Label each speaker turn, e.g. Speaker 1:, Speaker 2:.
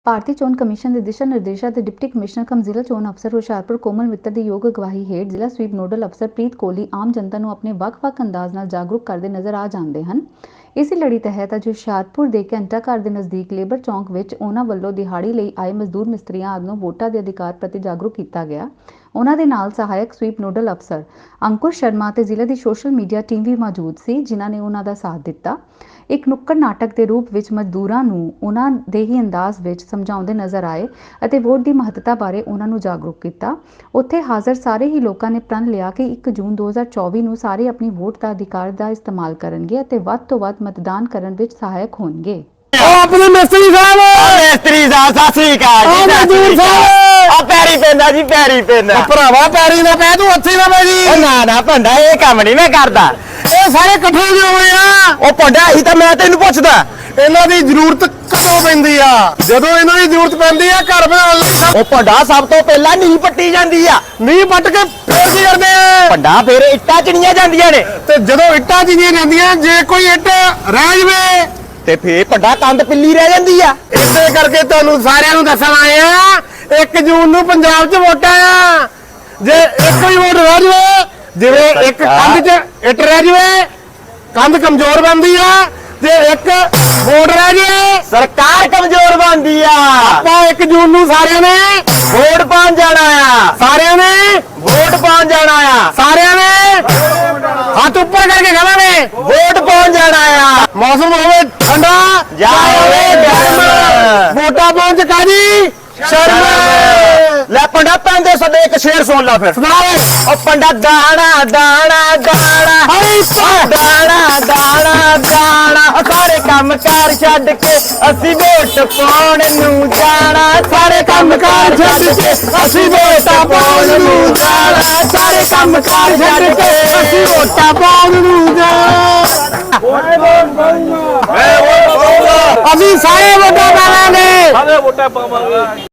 Speaker 1: ਭਾਰਤੀ ਚੋਣ ਕਮਿਸ਼ਨ ਦੇ ਦਿਸ਼ਾ ਨਿਰਦੇਸ਼ਾਂ ਤੇ ਡਿਪਟੀ ਕਮਿਸ਼ਨਰ ਕਮ ਜ਼ਿਲ੍ਹਾ ਚੋਣ ਅਫਸਰ ਹੁਸ਼ਿਆਰਪੁਰ ਕੋਮਲ ਮਿੱਤਰ ਦੀ ਯੋਗ ਅਗਵਾਈ ਹੇਠ ਜ਼ਿਲ੍ਹਾ ਸਵੀਪ ਨੋਡਲ ਅਫਸਰ ਪ੍ਰੀਤ ਕੋਹਲੀ ਆਮ ਜਨਤਾ ਨੂੰ ਆਪਣੇ ਵੱਖ-ਵੱਖ ਅੰਦਾਜ਼ ਨਾਲ ਜਾਗਰੂਕ ਕਰਦੇ ਨਜ਼ਰ ਆ ਜਾਂਦੇ ਹਨ। ਇਸੇ ਲੜੀ ਤਹਿਤ ਅੱਜ ਹੁਸ਼ਿਆਰਪੁਰ ਦੇ ਘੰਟਾ ਘਰ ਦੇ ਨਜ਼ਦੀਕ ਲੇਬਰ ਚੌਂਕ ਵਿੱਚ ਉਹਨਾਂ ਵੱਲੋਂ ਦਿਹਾੜੀ ਲਈ ਆਏ ਮਜ਼ਦੂਰ ਮਿਸਤਰੀਆਂ ਆਦਿ ਨੂੰ ਵੋਟਾਂ ਦੇ ਅਧਿਕਾਰ ਪ੍ਰਤੀ ਜਾਗਰੂਕ ਕੀਤਾ ਗਿਆ। ਉਹਨਾਂ ਦੇ ਨਾਲ ਸਹਾਇਕ ਸਵੀਪ ਨੋਡਲ ਅਫਸਰ ਅੰਕੁਰ ਸ਼ਰਮਾ ਤੇ ਜ਼ਿਲ੍ਹੇ ਦੀ ਸੋਸ਼ਲ ਮੀਡੀਆ ਟੀਮ ਵੀ ਮੌਜੂਦ ਸੀ, ਜਿਨ੍ਹਾਂ ਨੇ ਉਹਨਾਂ ਦਾ ਸਾਥ ਦਿੱਤਾ। ਇੱਕ ਨੁੱਕੜ ਨਾਟਕ ਦੇ ਰੂਪ ਵਿੱਚ ਮਜ਼ਦੂਰਾਂ ਨੂੰ ਉਹਨਾਂ ਦੇ ਹੀ ਅੰਦਾਜ਼ ਵਿੱਚ ਸਮਝਾਉਂਦੇ ਨਜ਼ਰ ਆਏ ਅਤੇ ਵੋਟ ਦੀ ਮਹੱਤਤਾ ਬਾਰੇ ਉਹਨਾਂ ਨੂੰ ਜਾਗਰੂਕ ਕੀਤਾ। ਉੱਥੇ ਹਾਜ਼ਰ ਸਾਰੇ ਹੀ ਲੋਕਾਂ ਨੇ ਪ੍ਰਣ ਲਿਆ ਕਿ 1 ਜੂਨ 2024 ਨੂੰ ਸਾਰੇ ਆਪਣੀ ਵੋਟ ਦਾ ਅਧਿਕਾਰ ਦਾ ਇਸਤੇਮਾਲ ਕਰਨਗੇ ਅਤੇ ਵੱਧ ਤੋਂ ਵੱਧ ਮਤਦਾਨ ਕਰਨ ਵਿੱਚ ਸਹਾਇਕ ਹੋਣਗੇ।
Speaker 2: ਆਪਣੇ ਮਿਸਤਰੀ ਸਾਹਿਬ ਸਤਿ ਸ੍ਰੀ ਅਕਾਲ ਜੀ। ਮਜ਼ਦੂਰ ਸਾਹਿਬ ਆ ਪੈਰੀ ਪੈਂਦਾ ਜੀ, ਪੈਰੀ ਪੈਂਦਾ ਭਰਾਵਾ, ਪੈਰੀ ਨਾ ਪੈ, ਤੂੰ ਹੱਥੀ ਨਾ ਪੈ ਜੀ। ਨਾ ਭੰਡਾ, ਇਹ ਕੰਮ ਨਹੀਂ ਮੈਂ ਕਰਦਾ। ਇਹ ਸਾਰੇ ਇਕੱਠੇ ਕਿਉਂ ਹੋਏ ਆ? ਉਹ ਭੰਡਾ ਹੀ ਤਾਂ ਮੈਂ ਤੈਨੂੰ ਪੁੱਛਦਾ, ਇਹਨਾਂ ਦੀ ਜ਼ਰੂਰਤ ਕਦੋਂ ਪੈਂਦੀ ਆ? ਜਦੋਂ ਇਹਨਾਂ ਦੀ ਜ਼ਰੂਰਤ ਪੈਂਦੀ ਆ ਘਰ ਬਣਾਉਣ ਲਈ। ਉਹ ਭੰਡਾ ਸਭ ਤੋਂ ਪਹਿਲਾਂ ਨੀਂਹ ਪੱਟੀ ਜਾਂਦੀ ਆ। ਨੀਂਹ ਪੱਟ ਕੇ ਫੇਰ ਕੀ ਕਰਦੇ ਆ? ਭੰਡਾ ਫੇਰ ਇੱਟਾਂ ਚਿਣੀਆਂ ਜਾਂਦੀਆਂ ਨੇ, ਤੇ ਜਦੋਂ ਇੱਟਾਂ ਚਿਣੀਆਂ ਜਾਂਦੀਆਂ ਜੇ ਕੋਈ ਇੱਟ ਰਹਿ ਜਵੇ ਤੇ ਫੇਰ ਭੰਡਾ ਕੰਧ ਪਿੱਲੀ ਰਹਿ ਜਾਂਦੀ ਆ। ਇਸੇ ਕਰਕੇ ਤੁਹਾਨੂੰ ਸਾਰਿਆਂ ਨੂੰ ਦੱਸਣ ਆਏ ਆ 1 ਜੂਨ ਨੂੰ ਪੰਜਾਬ 'ਚ ਵੋਟਾਂ ਆ। ਜੇ ਇੱਕ ਹੀ ਵੋਟ ਰਹਿ ਜਵੇ, ਜਿਵੇਂ ਇੱਕ ਕੰਧ 'ਚ ਇੱਟ ਰਹਿ ਜਵੇ, ਕੰਧ ਕਮਜ਼ੋਰ ਬਣਦੀ ਆ। ਜੇ ਇੱਕ ਵੋਟ ਰਹਿ ਜੇ, ਸਰਕਾਰ ਕਮਜ਼ੋਰ ਬਣਦੀ ਆ। ਆਪਾਂ 1 ਜੂਨ ਨੂੰ ਸਾਰਿਆਂ ਨੇ ਵੋਟ ਪਾਉਣ ਜਾਣਾ ਆ। ਸਾਰਿਆਂ ਨੇ ਵੋਟ ਪਾਉਣ ਜਾਣਾ ਆ। ਸਾਰਿਆਂ ਨੇ ਹੱਥ ਉੱਪਰ ਕਰਕੇ ਕਹਾਂਗੇ ਵੋਟ ਪਾਉਣ ਜਾਣਾ ਆ। ਮੌਸਮ ਹੋਵੇ ਠੰਡਾ ਜਾਂ ਹੋਵੇ ਗਰਮ, ਵੋਟਾਂ ਪਾਉਣ 'ਚ ਕਾਜੀ ਸ਼ਰਮ। ਲੈ ਪੰਡਾ ਪੈਂਦੇ ਸਦੇ ਇੱਕ ਸ਼ੇਰ ਸੁਣ ਲਾ ਫਿਰ। ਉਹ ਪੰਡਾ ਦਾਣਾ ਦਾਣਾ ਦਾਣਾ, ਦਾਣਾ ਦਾਣਾ ਦਾਣਾ, ਸਾਰੇ ਕੰਮ ਕਾਰ ਛੱਡ ਕੇ ਅਸੀਂ ਵੋਟ ਪਾਉਣ ਨੂੰ ਜਾਣਾ। ਸਾਰੇ ਕੰਮ ਕਾਰ ਛੱਡ ਕੇ ਅਸੀਂ ਵੋਟਾਂ ਪਾਉਣ ਨੂੰ ਜਾਣਾ। ਸਾਰੇ ਕੰਮ ਕਾਰ ਛੱਡ ਕੇ ਅਸੀਂ ਵੋਟਾਂ ਪਾਉਣ ਨੂੰ ਜਾਣਾ। ਅਸੀਂ ਸਾਰੇ ਵੋਟਾਂ ਪਾਵਾਂਗੇ।